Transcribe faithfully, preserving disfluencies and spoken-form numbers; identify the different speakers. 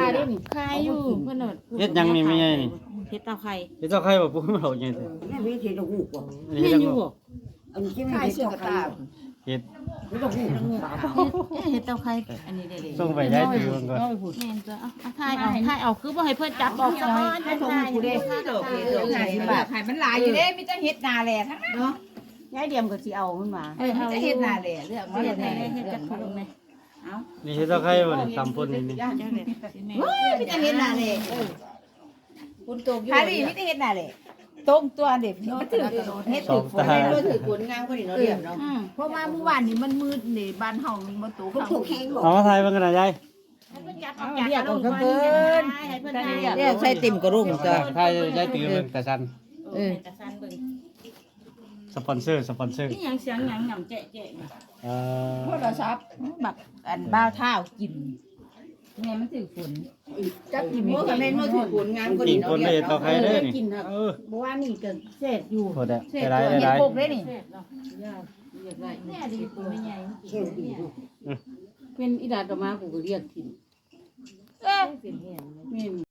Speaker 1: ได้นี่
Speaker 2: คายอยู่เพิ่นน่ะ
Speaker 3: เฮ็ดหยังนี่แม่ใหญ่นี่
Speaker 2: เฮ็ดเตาไข่
Speaker 3: เฮ็ดเจ้าไข่บ่ปุ๊บมันเอาใหญ่แท้
Speaker 4: แม่ไม่เห็นดอกหูกว่ะ
Speaker 3: อันนี้
Speaker 2: แม่
Speaker 3: เฮ็ด
Speaker 2: น
Speaker 3: จั
Speaker 2: อง ยู่
Speaker 3: บ่
Speaker 2: บ่
Speaker 4: อันนี้ไม่
Speaker 1: คาย
Speaker 4: เห็น
Speaker 1: เสื้อ
Speaker 4: ดอก
Speaker 1: กระ
Speaker 4: ไข่
Speaker 1: ตา
Speaker 3: เฮ็ด
Speaker 4: ไม่ดอกหูก
Speaker 2: เฮ็ดเตาไข่อันนี้ได้เลย
Speaker 3: ส่งไปย้ายตื่นก่อน
Speaker 1: น้อยพูด
Speaker 2: แม่นจ้ะเอาเอาถ่ายเอาถ่ายเอาคือบ่ให้เพิ่นจับออกซะก่อน
Speaker 1: ให้ทงกูได้ดอกเฮ็ดดอกห้าสิบบาทให้มันหลายอยู่เด้มีแต่เฮ็ดนาแลทั้งนั้นเนาะ
Speaker 2: ยายเดียมก็สิเอามันมา
Speaker 1: เออมีแต่เฮ็ดนาแลเรื่องมัน
Speaker 2: เฮ็ด
Speaker 1: แน่
Speaker 2: ให้เฮ็ดจักถุงแม่
Speaker 1: เอา
Speaker 3: นี่เฮ็ดเจ้าไข่บ่นี่ตำพ่นนี่นี่
Speaker 2: จ้าเด้สิแม่
Speaker 1: เฮ้ยมีแต่เฮ็ดนาแลเออคุณตกอยู่ฮารี่มีแต่เฮ็ดนาแลตรงตัวเด็กเนาะถือเฮ็ดถือฝนได้ถือฝนงามกว่านี้เนาะเรียบเนาะ
Speaker 2: อืม
Speaker 1: เพราะว่าเมื่อวานนี้มันมืดนี่บ้านเฮามันบ่ตก
Speaker 4: ทุกทุกแห้งบอก
Speaker 3: เอามาถ่ายเบิ่งกันนะยาย
Speaker 2: ให้เพิ่นจับออกจากกระโหลกก่อนให้เพิ่นถ่าย
Speaker 1: เรียกใส่ติ่มกระรุ่งจ้ะ
Speaker 3: ถ่ายยายตื่นเบิ่งแต่ซัน
Speaker 2: เออจะสั่นเบิ่ง
Speaker 3: สปอนเซอร์สปอนเซอร์
Speaker 2: นี่หยังเสียงหยังหยังแจ๊ะๆนี่
Speaker 3: เอ่อ
Speaker 1: โทรศัพท์บักอันบ้าวเท้ากินแม่มันถือฝนจักกินบ่ก็แม่นบ่ถือฝนงามกว่า
Speaker 3: กิ
Speaker 1: นี้
Speaker 3: น
Speaker 1: เนาะ
Speaker 3: คนได้เฮ็ดเจ้าไข่เด้อนี่
Speaker 2: กินครับ
Speaker 3: เออ
Speaker 2: บ่ว่านี่ก็เสร็จอยู่
Speaker 3: โหดอะ
Speaker 1: เสร็จ
Speaker 3: ได้
Speaker 1: ตัว
Speaker 3: ได้
Speaker 1: เฮ็ด
Speaker 3: ได้
Speaker 1: พกได้นี่
Speaker 2: เสร็จเนาะยากเรียกได้แม่ดีตัวไม่ใหญ่
Speaker 4: เที่ยวดีดู
Speaker 2: เป็นอีดาดอกมากูก็เรียกกิน
Speaker 1: เอ้อ
Speaker 2: เป็นแห้งแม่น